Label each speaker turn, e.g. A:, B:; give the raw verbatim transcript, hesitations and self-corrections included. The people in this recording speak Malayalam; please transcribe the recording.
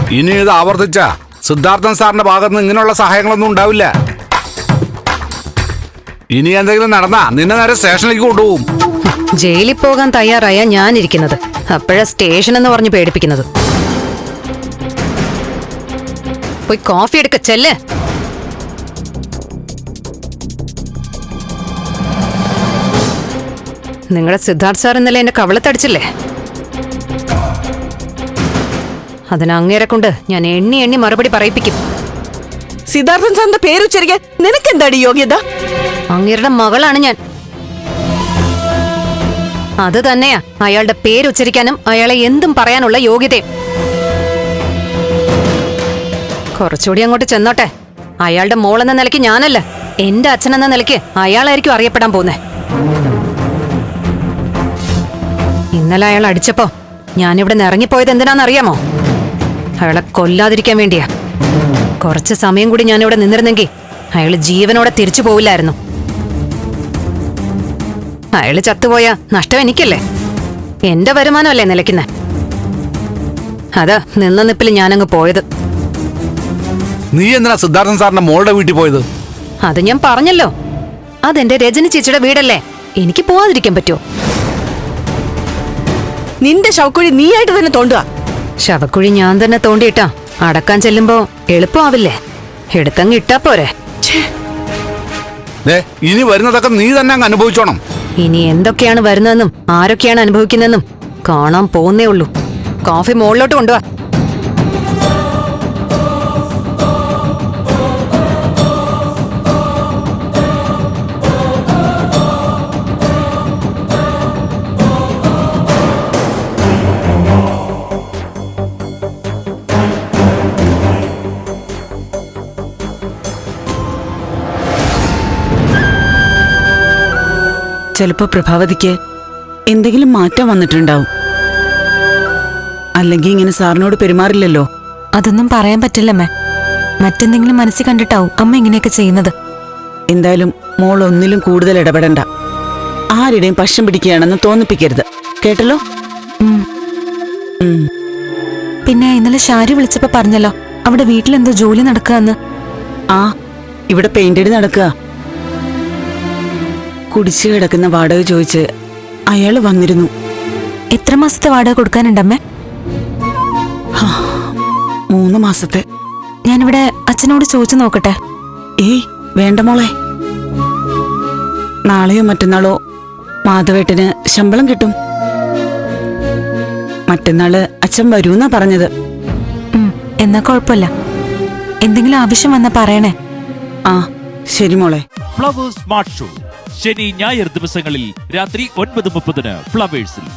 A: ഇനി ഇത് ആവർത്തിച്ച സിദ്ധാർത്ഥൻ സാറിന്റെ ഭാഗത്ത് നിന്ന് ഇങ്ങനെയുള്ള സഹായങ്ങളൊന്നും ഉണ്ടാവില്ല. ഇനി എന്തെങ്കിലും നടന്നാ നിന്നെ നേരെ സ്റ്റേഷനിലേക്ക് കൊണ്ടുപോകും.
B: ജയിലിൽ പോകാൻ തയ്യാറായ ഞാനിരിക്കുന്നത്, അപ്പോഴാ സ്റ്റേഷൻ എന്ന് പറഞ്ഞ് പേടിപ്പിക്കുന്നത്. പോയി കോഫി എടുക്ക ചെല്ലേ. നിങ്ങളുടെ സിദ്ധാർത്ഥ് സാർ ഇന്നലെ എന്നെ കവളത്തടിച്ചില്ലേ? അതിന് അങ്ങേരെ കൊണ്ട് ഞാൻ എണ്ണി എണ്ണി മറുപടി പറയിപ്പിക്കും.
C: സിദ്ധാർത്ഥൻ സാറിന്റെ പേരുച്ചരിക്കാൻ നിനക്കെന്താടി യോഗ്യത?
B: അങ്ങേരുടെ മകളാണ് ഞാൻ. അത് തന്നെയാ അയാളുടെ പേരുച്ചരിക്കാനും അയാളെ എന്തും പറയാനുള്ള യോഗ്യതയും. കുറച്ചുകൂടി അങ്ങോട്ട് ചെന്നോട്ടെ. അയാളുടെ മോളെന്ന നിലയ്ക്ക് ഞാനല്ല, എന്റെ അച്ഛനെന്ന നിലയ്ക്ക് അയാളായിരിക്കും അറിയപ്പെടാൻ പോകുന്നേ. ഇന്നലെ അയാൾ അടിച്ചപ്പോ ഞാനിവിടെ നിന്ന് ഇറങ്ങിപ്പോയത് എന്തിനാന്നറിയാമോ? അയാളെ കൊല്ലാതിരിക്കാൻ വേണ്ടിയാ. കുറച്ച് സമയം കൂടി ഞാനിവിടെ നിന്നിരുന്നെങ്കിൽ അയാൾ ജീവനോടെ തിരിച്ചു പോവില്ലായിരുന്നു. അയാള് ചത്തുപോയ നഷ്ടം എനിക്കല്ലേ? എന്റെ വരുമാനമല്ലേ നിലയ്ക്കുന്നേ? അതാ നിന്ന നിപ്പിൽ ഞാനങ്ങ് പോയത്.
A: നീ എന്തിനാ സിദ്ധാർത്ഥൻ സാറിന്റെ മോളുടെ വീട്ടിൽ പോയത്?
B: അത് ഞാൻ പറഞ്ഞല്ലോ, അതെന്റെ രജനി ചേച്ചിയുടെ വീടല്ലേ, എനിക്ക് പോവാതിരിക്കാൻ പറ്റുമോ?
C: നിന്റെ ശവക്കുഴി നീയായിട്ട് തന്നെ തോണ്ടുക.
B: ശവക്കുഴി ഞാൻ തന്നെ തോണ്ടിയിട്ടാ അടക്കാൻ ചെല്ലുമ്പോ എളുപ്പമാവില്ലേ? എടുത്തങ്ങ് ഇട്ടാ പോരെ.
A: ഇനി വരുന്നതൊക്കെ നീ തന്നെ അങ്ങ് അനുഭവിച്ചോണം.
B: ഇനി എന്തൊക്കെയാണ് വരുന്നതെന്നും ആരൊക്കെയാണ് അനുഭവിക്കുന്നതെന്നും കാണാൻ പോകുന്നേ ഉള്ളൂ. കോഫി മുകളിലോട്ട് കൊണ്ടുവാ.
C: ചിലപ്പോ പ്രഭാവതിക്ക് എന്തെങ്കിലും മാറ്റം വന്നിട്ടുണ്ടാവും. അല്ലെങ്കിൽ ഇങ്ങനെ സാറിനോട് പെരുമാറില്ലല്ലോ.
D: അതൊന്നും പറയാൻ പറ്റില്ലമ്മേ. മറ്റെന്തെങ്കിലും മനസ്സിൽ കണ്ടിട്ടാവും അമ്മ ഇങ്ങനെയൊക്കെ ചെയ്യുന്നത്.
C: എന്തായാലും മോൾ ഒന്നിലും കൂടുതൽ ഇടപെടണ്ട. ആരുടെയും പക്ഷം പിടിക്കുകയാണെന്ന് തോന്നിപ്പിക്കരുത്, കേട്ടല്ലോ?
D: പിന്നെ ഇന്നലെ ഷാരി വിളിച്ചപ്പോ പറഞ്ഞല്ലോ അവിടെ വീട്ടിലെന്തോ ജോലി നടക്കുകയെന്ന്.
C: ആ, ഇവിടെ പെയിന്റടി നടക്കുക. കുടിച്ചു കിടക്കുന്ന വാടക ചോദിച്ച് അയാള് വന്നിരുന്നു.
D: എത്ര മാസത്തെ വാടക കൊടുക്കാനുണ്ടമ്മേ?
C: മൂന്ന് മാസത്തെ.
D: ഞാനിവിടെ അച്ഛനോട് ചോദിച്ചു നോക്കട്ടെ.
C: ഏയ് വേണ്ട മോളെ. നാളെയോ മറ്റന്നാളോ മാധവേട്ടന് ശമ്പളം കിട്ടും. മറ്റന്നാള് അച്ഛൻ വരൂന്നാ പറഞ്ഞത്.
D: എന്നാ കുഴപ്പമില്ല. എന്തെങ്കിലും ആവശ്യം വന്നാ പറയണേ.
C: ആ ശരി മോളെ.
E: ഫ്ലവേഴ്സ് സ്മാർട്ട് ഷോ ശനി ഞായർ ദിവസങ്ങളിൽ രാത്രി ഒൻപത് മുപ്പതിന് ഫ്ലവേഴ്സിൽ.